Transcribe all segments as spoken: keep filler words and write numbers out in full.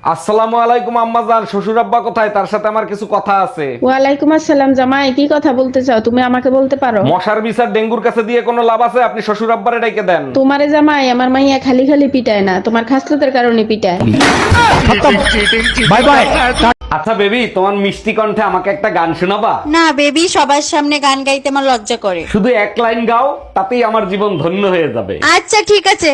আসসালামু আলাইকুম আম্মাজান, শ্বশুর আব্বা কোথায়? তার সাথে আমার কিছু কথা আছে। ওয়ালাইকুম আসসালাম জামাই, কি কথা বলতে চাও? তুমি আমাকে বলতে পারো। মশার বিচার ডেঙ্গুর কাছে দিয়ে কোনো লাভ আছে? আপনি শ্বশুর আব্বারে ডাইকে দেন। তোমারে জামাই আমার মাইয়া খালি খালি পিটায় না, তোমার খাসলতের কারণে পিটায়। Bye bye. আচ্ছা বেবি, তোমার মিষ্টি কণ্ঠে আমাকে একটা গান শোনাবা? না বেবি, সবার সামনে গান গাইতে আমার লজ্জা করে। শুধু এক লাইন গাও, তাতেই আমার জীবন ধন্য হয়ে যাবে। আচ্ছা ঠিক আছে।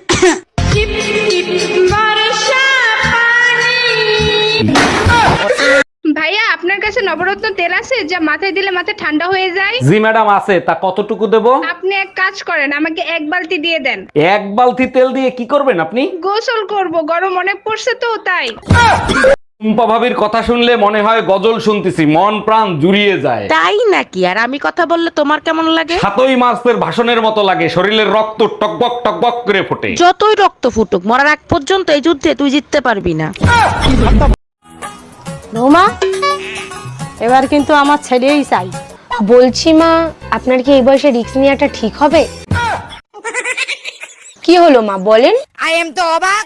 ভাইয়া আপনার কাছে নবরত্ন তেল আছে যা মাথায় দিলে মাথা ঠান্ডা হয়ে যায়? জি ম্যাডাম আছে। তা কতটুকু দেবো? আপনি এক কাজ করেন, আমাকে এক বালতি দিয়ে দেন। এক বালতি তেল দিয়ে কি করবেন আপনি? গোসল করব, গরম অনেক পড়ছে তো তাই। টুম্পা ভাবির কথা শুনলে মনে হয় গজল শুনতেছি, মন প্রাণ জুড়িয়ে যায়। তাই নাকি? আর আমি কথা বললে তোমার কেমন লাগে? সাতই মাসের ভাষণের মতো লাগে, শরীরের রক্ত টকবক টকবক করে ফোটে। যতই রক্ত ফুটুক, মরার আগ পর্যন্ত এই যুদ্ধে তুই জিততে পারবি না। রোমা, এবার কিন্তু আমার ছেলেই চাই। বলছি মা, আপনার কি এই বয়সে রিস্ক নেওয়াটা ঠিক হবে? কি হলো মা, বলেন। আই এম তো অবাক।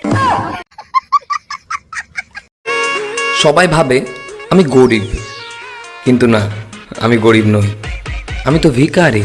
সবাই ভাবে আমি গরিব, কিন্তু না, আমি গরিব নই, আমি তো ভিখারি।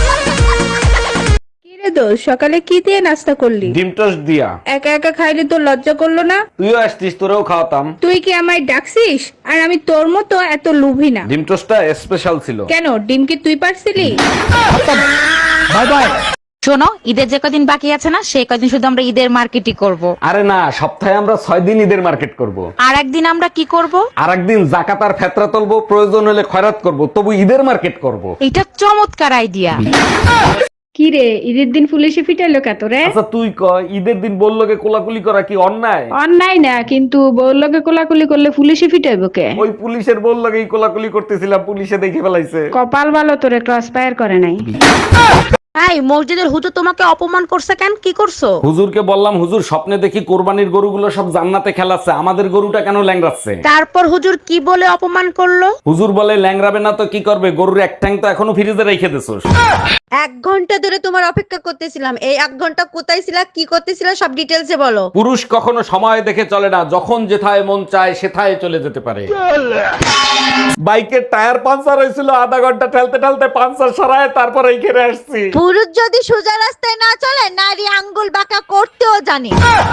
কিরে দোষ, সকালে কি দিয়ে নাস্তা করলি? ডিম টোস্ট দিয়া। একা একা খাইলে তো লজ্জা করলো না? তুইও আসতিস, তোরেও খাওয়াতাম। তুই কি আমায় ডাকছিস? আর আমি তোর মতো এত লোভী না। ডিম টোস্টটা স্পেশাল ছিল। কেন, ডিম কি তুই পারছিলি? Bye bye. শোনো, ঈদের যে কদিন বাকি আছে না, সেই কদিন শুধু আমরা ঈদের মার্কেটই করব। আরে না, সপ্তাহে আমরা ছয় দিন ঈদের মার্কেট করব। আর একদিন আমরা কি করব? আর একদিন জাকাত আর ফেতরা তুলবো, প্রয়োজন হলে খয়রাত করব, তবু ঈদের মার্কেট করব। এটা চমৎকার আইডিয়া। কি রে, ঈদের দিন পুলিশে ফিটাইলো কত রে? আচ্ছা তুই ক, ঈদের দিন বললোকে কোলাকুলি করা কি অন্যায়? অন্যায় না, কিন্তু বউর লগে কোলাকুলি করলে পুলিশে ফিটাইবো কে? ওই পুলিশের বললোকেই কোলাকুলি করতেছিলাম, পুলিশে দেখে ফেলাইছে। কপাল ভালো, তোরে ক্রস ফায়ার করে নাই। এই মসজিদের হুজুর তোমাকে অপমান করছে কেন? কি করছো? হুজুরকে বললাম, হুজুর স্বপ্নে দেখি কোরবানির গরুগুলো সব জান্নাতে খেলাচ্ছে, আমাদের গরুটা কেন ল্যাংড়াচ্ছে? তারপর হুজুর কি বলে অপমান করলো? হুজুর বলে, ল্যাংড়াবে না তো কি করবে, গরুর এক ঠ্যাং তো এখনো ফ্রিজে রেখে দিছোস। এক ঘন্টা ধরে তোমার অপেক্ষা করতেছিলাম। এই এক ঘন্টা কোথায় ছিলা, কি করতেছিলা, সব ডিটেলসে বলো। পুরুষ কখনো সময় দেখে চলে না, যখন যেথায় মন চায় সেথায় চলে যেতে পারে। বাইকের টায়ার পাঞ্চার হয়েছিল, আধা ঘন্টা ঠেলতে ঠেলতে পাঞ্চার সরায় তারপর এইখানে আসছি। পুরুষ যদি সোজা রাস্তায় না চলে, নারী আঙ্গুল বাঁকা করতেও জানে।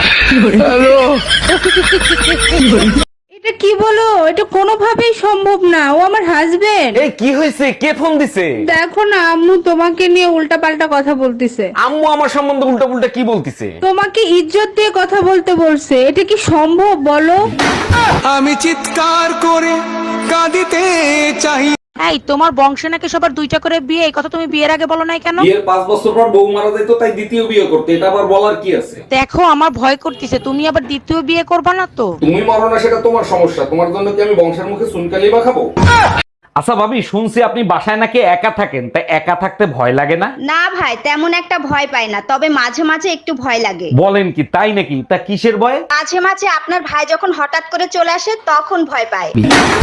এটা কি বলো? এটা কোনোভাবেই সম্ভব না, ও আমার হাজবেন্ড। এই কি হয়েছে? কে ফোন দিছে? দেখো না, আম্মু তোমাকে নিয়ে উল্টা পাল্টা কথা বলতেছে। আম্মু আমার সম্বন্ধে উল্টা পুল্টা কি বলতিছে? তোমাকে ইজ্জত দিয়ে কথা বলতে বলছে। এটা কি সম্ভব বলো? আমি চিৎকার করে কাঁদিতে চাই। এই তোমার বংশে নাকি সবার দুইটা করে বিয়ে, এই কথা তুমি বিয়ের আগে বলো নাই কেন? বিয়ের পাঁচ বছর পর বউ মারা যেত, তাই দ্বিতীয় বিয়ে করতে, এটা আবার বলার কি আছে? দেখো, আমার ভয় করতেছে, তুমি আবার দ্বিতীয় বিয়ে করবা না তো? তুমি মরো না সেটা তোমার সমস্যা, তোমার জন্য কি আমি বংশের মুখে চুনকালি বা খাবো? আচ্ছা ভাবি, শুনছি আপনি বাসায় নাকি একা থাকেন, তাই একা থাকতে ভয় লাগে না? না ভাই, তেমন একটা ভয় পাই না, তবে মাঝে মাঝে একটু ভয় লাগে। বলেন কি, তাই নাকি? তা কিসের ভয়? মাঝে মাঝে আপনার ভাই যখন হঠাৎ করে চলে আসে তখন ভয় পায়।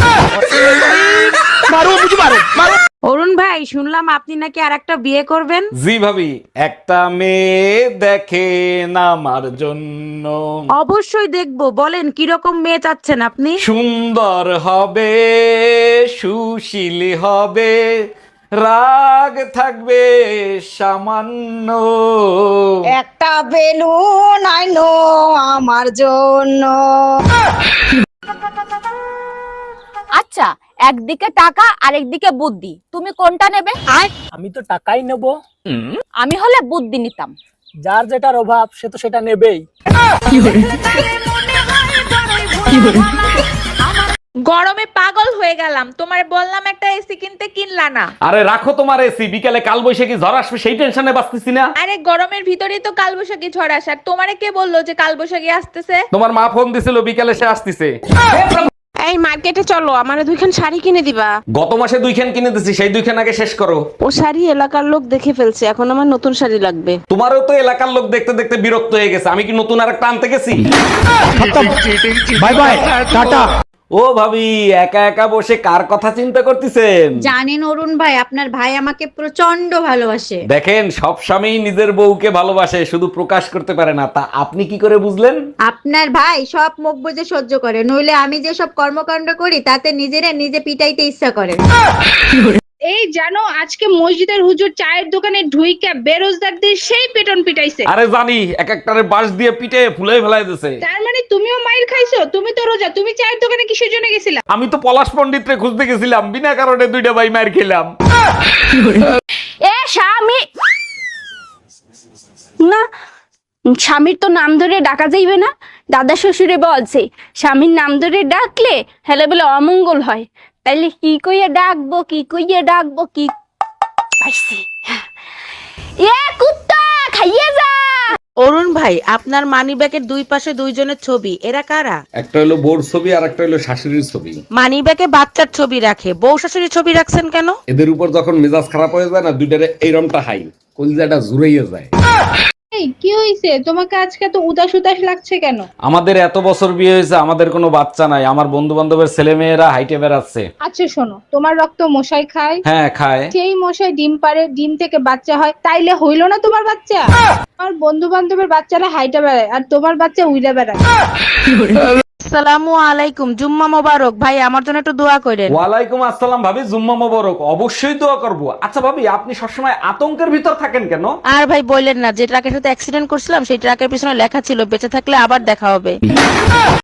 অরুণ ভাই, শুনলাম আপনি নাকি আর একটা বিয়ে করবেন। জি ভাবি, একটা মেয়ে দেখেন আমার জন্য। অবশ্যই দেখবো, বলেন কিরকম মেয়ে চাচ্ছেন আপনি? সুন্দর হবে, সুশীল হবে, রাগ থাকবে সামান্য। একটা বেলুন আইনো আমার জন্য। আচ্ছা, একদিকে টাকা আর একদিকে বুদ্ধি, তুমি কোনটা নেবে? আমি তো টাকাই নেব। আমি হলে বুদ্ধি নিতাম। যার যেটার অভাব সে তো সেটা নেবেই। গরমে পাগল হয়ে গেলাম, তোমার বললাম একটা এসি কিনতে, কিনলা না। আরে রাখো তোমার এসি, বিকালে কাল বৈশাখী ঝড় আসবে সেই টেনশনে বাঁচতেছি না। আরে গরমের ভিতরেই তো কালবৈশাখী ঝড় আসার, তোমারে কে বললো যে কালবৈশাখী আসতেছে? তোমার মা ফোন দিছিল, বিকালে সে আসতেছে। এই মার্কেটে চলো, আমারে দুইখান শাড়ি কিনে দিবা। গত মাসে দুইখান কিনে দিছি, সেই দুইখান আগে শেষ করো। ও শাড়ি এলাকার লোক দেখে ফেলছে, এখন আমার নতুন শাড়ি লাগবে। তোমারও তো এলাকার লোক দেখতে দেখতে বিরক্ত হয়ে গেছে, আমি কি নতুন আর একটা আনতে গেছি? Bye bye, tata. ও ভাবি, একা একা বসে কার কথা চিন্তা করতেছেন? জানেন অরুণ ভাই, আপনার ভাই আমাকে প্রচন্ড ভালোবাসে। দেখেন, সব স্বামী নিজের বউকে ভালোবাসে, শুধু প্রকাশ করতে পারে না। তা আপনি কি করে বুঝলেন? আপনার ভাই সব মুখ বুজে সহ্য করে, নইলে আমি যে সব কর্মকাণ্ড করি তাতে নিজেরা নিজে পিটাইতে ইচ্ছা করে। এই জানো, আজকে মসজিদের হুজুর চায়ের দোকানে ঢুইকা বেরোজগারদের সেই পেটন পিটাইছে। আরে জানি, এক একটারে বাঁশ দিয়ে পিটে ফুলে ফেলাই দিছে। তার মানে তুমিও মাইর খাইছো? তুমি তো রোজা, তুমি চায়ের দোকানে কিসের জন্য গেছিলা? আমি তো পলাশ পণ্ডিতরে খুঁজতে গেছিলাম, বিনা কারণে দুইটা ভাই মার খেলাম। এ স্বামী না, স্বামীর তো নাম ধরে ডাকা যাইবে না। দাদা শ্বশুরে বলছে স্বামীর নাম ধরে ডাকলে হেলে বলে অমঙ্গল হয়। তাইলে কি কইয়া ডাকবো, কি কইয়া ডাকবো, কি পাইছি। এ কুত্তা খাইয়ে যা। অরুণ ভাই, আপনার মানি ব্যাগের দুই পাশে দুইজনের ছবি, এরা কারা? একটা হলো বোর ছবি আর একটা হলো শাশুড়ির ছবি। মানি ব্যাগে বাচ্চার ছবি রাখে, বউ শাশুড়ির ছবি রাখছেন কেন? এদের উপর যখন মেজাজ খারাপ হয়ে যায় না, দুইটারে এইরমটা হাই কলিজাটা জুড়াইয়া যায়। এই কি হইছে তোমাকে আজকে তো উদাস উদাস লাগছে কেন? আমাদের এত বছর বিয়ে হয়েছে, আমাদের কোনো বাচ্চা নাই। আমার বন্ধু বান্ধবের ছেলে মেয়েরা হাইটে বেড়াচ্ছে। আচ্ছা শোনো, তোমার রক্ত মশাই খায়, হ্যাঁ খায়। সেই মশাই ডিম পারে, ডিম থেকে বাচ্চা হয়, তাইলে হইলো না তোমার বাচ্চা? আমার বন্ধু বান্ধবের বাচ্চারা হাইটা বেড়ায় আর তোমার বাচ্চা উইরা বেড়ায়। আসসালামু আলাইকুম, জুম্মা মোবারক। ভাই আমার জন্য একটু দোয়া করেন। ওয়ালাইকুম আসসালাম ভাবি, জুম্মা মোবারক। অবশ্যই দোয়া করব। আচ্ছা ভাবি, আপনি সবসময় আতঙ্কের ভিতর থাকেন কেন? আর ভাই বললেন না, যে ট্রাকের সাথে অ্যাক্সিডেন্ট করছিলাম সেই ট্রাকের পিছনে লেখা ছিল বেঁচে থাকলে আবার দেখা হবে।